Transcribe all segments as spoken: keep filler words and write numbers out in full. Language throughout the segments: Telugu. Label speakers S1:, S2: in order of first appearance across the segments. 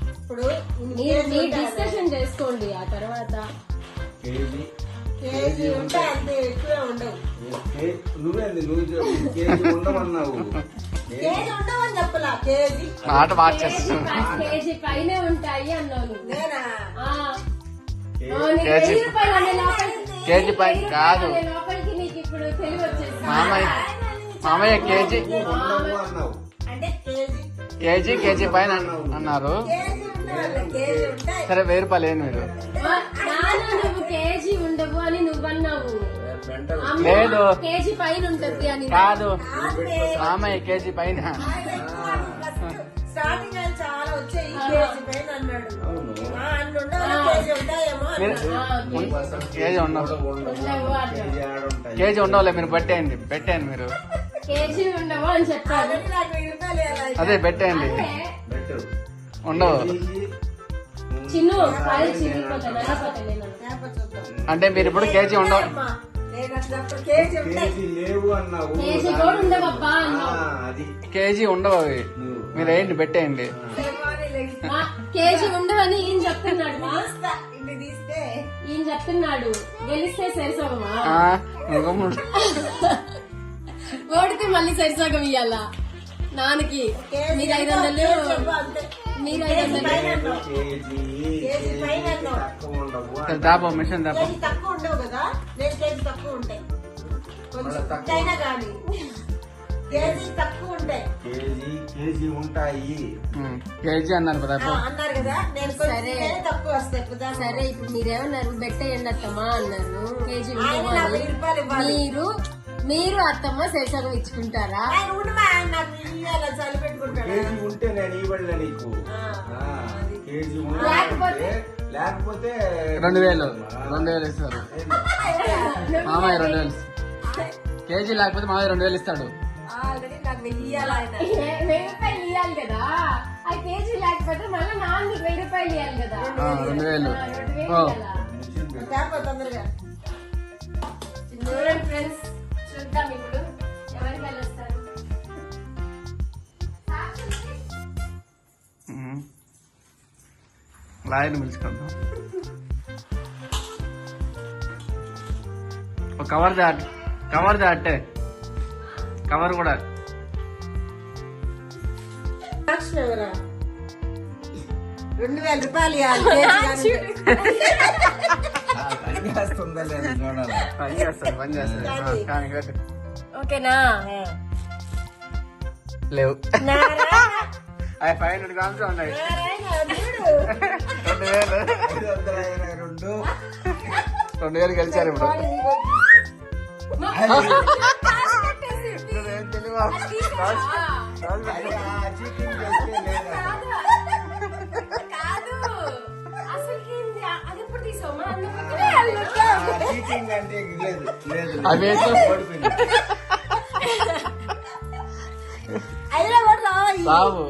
S1: ఇప్పుడు డిస్కషన్ చేసుకోండి ఆ తర్వాత.
S2: కేజీ
S1: కేజీ ఉంటే అంత ఎక్కువ ఉండవు.
S2: నువ్వేంది నువ్వు కేజీ ఉండమన్నావు,
S1: కేజీ ఉండవని చెప్పలా, కేజీ
S3: మాట మార్చేస్తున్నా.
S1: కేజీ పైనే ఉంటాయి అన్నాను నేనా.
S3: కేజీ కేజీ పైన కాదు
S1: లోపలికి నీకు ఇప్పుడు తెలివి వచ్చేసి
S3: మామయ్య మామయ్య కేజీ
S2: ఉండవు అన్నావు.
S1: అంటే కేజీ
S3: కేజీ కేజీ పైన అన్నారు.
S1: కేజీ ఉండాలి, కేజీ ఉంటాయి.
S3: సరే వెయ్యి రూపాయలు ఏంది మీరు?
S1: నువ్వు కేజీ ఉండవు అని నువ్వన్నావు.
S3: లేదు
S1: కేజీ పైన ఉంటది అని
S3: కాదు మామయ్య కేజీ పైన.
S1: స్టార్టింగ్ ఆయన చాలా వచ్చాయి, కేజీ పైన అన్నాడు. కేజీ ఉంటాయేమో
S3: కేజీ ఉండవు, కేజీ ఉండవులే. మీరు పెట్టేయండి పెట్టేయండి మీరు.
S1: కేజీ ఉండవు అని చెప్పారు.
S3: అదే పెట్టేయండి ఉండవు.
S1: చిన్ను
S3: అంటే మీరు ఇప్పుడు కేజీ ఉండవు.
S2: కేజీ లేవు అన్నావు.
S1: కేజీ కూడా ఉండవబ్బా అన్నావు.
S2: అది
S3: కేజీ ఉండవు అవి. మీరు ఏంటి పెట్టేయండి.
S1: కేజీ ఉండవని ఈయన చెప్తున్నాడు. ఈయన చెప్తున్నాడు గెలిస్తే సరిసగమా, ఓడితే మళ్ళీ సరిసగం ఇయ్యాలా నాన్నకి. మీరు ఐదు వందలు మీరు ఐదు వందలు
S3: దాపో మిషన్ దాపో.
S1: తక్కువ ఉండవు కదా, నేను కేజీ తక్కువ ఉంటాయి కొంచెం కానీ కేజీ తక్కువ ఉంటాయి.
S2: కేజీ కేజీ ఉంటాయి.
S3: కేజీ అన్నారు కదా
S1: అన్నారు కదా, నేను సరే తక్కువ వస్తాయి. సరే ఇప్పుడు మీరేమన్నారు బెట్టేయండి అత్తమ్మా అన్నారు. కేజీ మీరు మీరు అత్తమ్మ శేషాగం ఇచ్చుకుంటారా? చలి పెట్టుకుంటారా?
S2: కేజీ ఉంటే నేను ఇవ్వలే నీకు. కేజీ లేకపోతే లేకపోతే
S3: రెండు వేలు రెండు వేలు ఇస్తారు మామయ్య. రెండు వేలు కేజీ లేకపోతే మామయ్య రెండు వేలు ఇస్తాడు.
S1: ఆల్రెడీ నాకు వెయ్యి వెయ్యి రూపాయలు ఇవ్వాలి కదా. ఆ కేజీ లేకపోతే మళ్ళీ నాలుగు వెయ్యి రూపాయలు ఇవ్వాలి కదా.
S3: రెండు వేలు
S1: తొందరగా చూడండి ఫ్రెండ్స్, చూద్దాం ఇప్పుడు ఎవరికి వెళ్ళొస్తారు.
S3: లాయర్ని పిలుచుకుందాం. ఒక కవర్ దాట్ కవర్ దాటే కవర్ కూడా
S1: రెండు వేల రూపాయలు
S2: పని చేస్తుందా లేదా చూడాలి.
S3: పని చేస్తారు పని చేస్తారు కానీ కట్టు.
S1: ఓకేనా?
S3: లేవు అవి ఫైవ్ హండ్రెడ్ గ్రామ్స్ ఉన్నాయి. రెండు వేలు
S2: ఐదు వందల ఇరవై రెండు
S3: రెండు వేలు గెలిచారు ఇప్పుడు. ఏం తెలియవా?
S2: చీటింగ్ చేస్తే లేదా చీటింగ్ అంటే లేదు లేదు
S3: అవి రావు.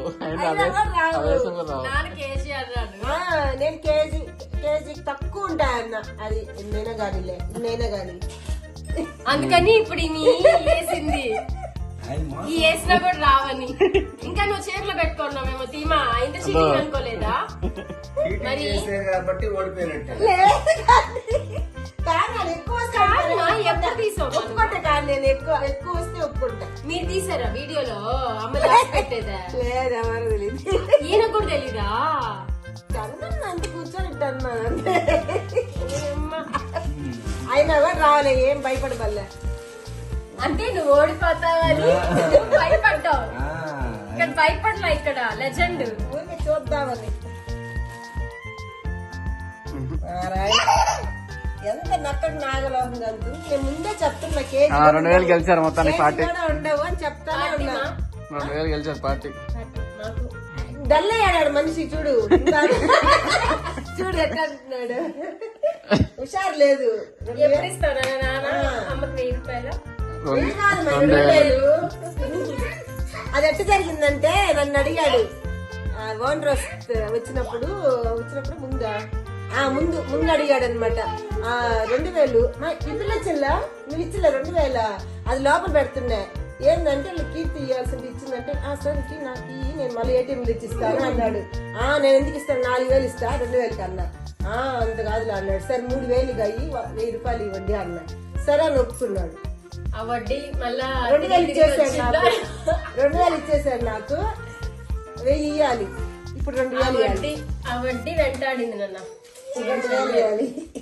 S1: నేను కేజీ కేజీ తక్కువ ఉంటాయన్న. అది ఎన్నైనా గానీలే ఎన్నైనా గానీ. అందుకని ఇప్పుడు వేసింది ఈ వేసినా కూడా రావని. ఇంకా నువ్వు చేతిలో పెట్టుకున్నావేమో తీమా. ఇంత చీటింగ్ అనుకోలేదా? మరి
S2: కాబట్టి ఓడిపోయినట్టు.
S1: ఎప్పుడు తీసావు? ఒప్పుకుంటా కానీ నేను ఎక్కువ ఎక్కువ వస్తే ఒప్పుకుంటా. మీరు తీసారా వీడియోలో అమ్మ పెట్టేదా? లేదు, ఎవరు తెలియదు. ఈయన కూడా తెలీదా? అంత కూర్చొని అయినా కూడా రావాలి. ఏం భయపడబల్లే అంటే నువ్వు ఓడిపోతావని భయపడ్డావు. ఇక్కడ భయపడలా, ఇక్కడ లెజెండ్ ఊరికి చూద్దామని. ఎంత నక్కడు నాగలోహం కలుదు. నేను ముందే చెప్తున్నా కేజీ
S3: రెండు వేలు గెలిచారు మొత్తానికి పార్టీ.
S1: ఉండవు అని చెప్తానే ఉన్నా.
S3: రెండు వేలు గెలిచారు పార్టీ.
S1: డల్ అయ్యాడు మనిషి. చూడు చూడు ఎట్లా అంటున్నాడు. హుషారు లేదు. ఎప్పుడు ఇస్తారా నాన్న అమ్మకి వెయ్యి రూపాయలు? అది ఎట్లా జరిగిందంటే నన్ను అడిగాడు ఓనర్ వచ్చినప్పుడు వచ్చినప్పుడు ముందా ముందు ముందు అడిగాడు అనమాట. రెండు వేలు ఇదిలో చెల్లా నువ్వు ఇచ్చిలే రెండు వేల అది లోపల పెడుతున్నా. ఏంటంటే కీర్తి ఇవ్వాల్సింది ఇచ్చిందంటే ఆ సార్ నాకు నేను మళ్ళీ ఏటీఎం తెచ్చిస్తాను అన్నాడు. ఆ నేను ఎందుకు ఇస్తాను, నాలుగు వేలు ఇస్తా, రెండు వేలకి అన్నా. ఆ అంత కాదులే అన్నాడు. సరే మూడు వేలు అయ్యి వెయ్యి రూపాయలు ఇవ్వండి అన్నా. సరే అని ఒప్పుకున్నాడు.
S4: ఆ వడ్డీ మళ్ళా
S1: రెండు వేలు ఇచ్చేసాడు నాకు, రెండు వేలు ఇచ్చేసాడు నాకు, వెయ్యి ఇవ్వాలి. ఇప్పుడు రెండు
S4: ఆ
S1: వేలు ఇవ్వాలి,
S4: వడ్డీ ఆ వడ్డీ వెంటాడింది నన్న.
S1: రెండు వేలు ఇవ్వాలి.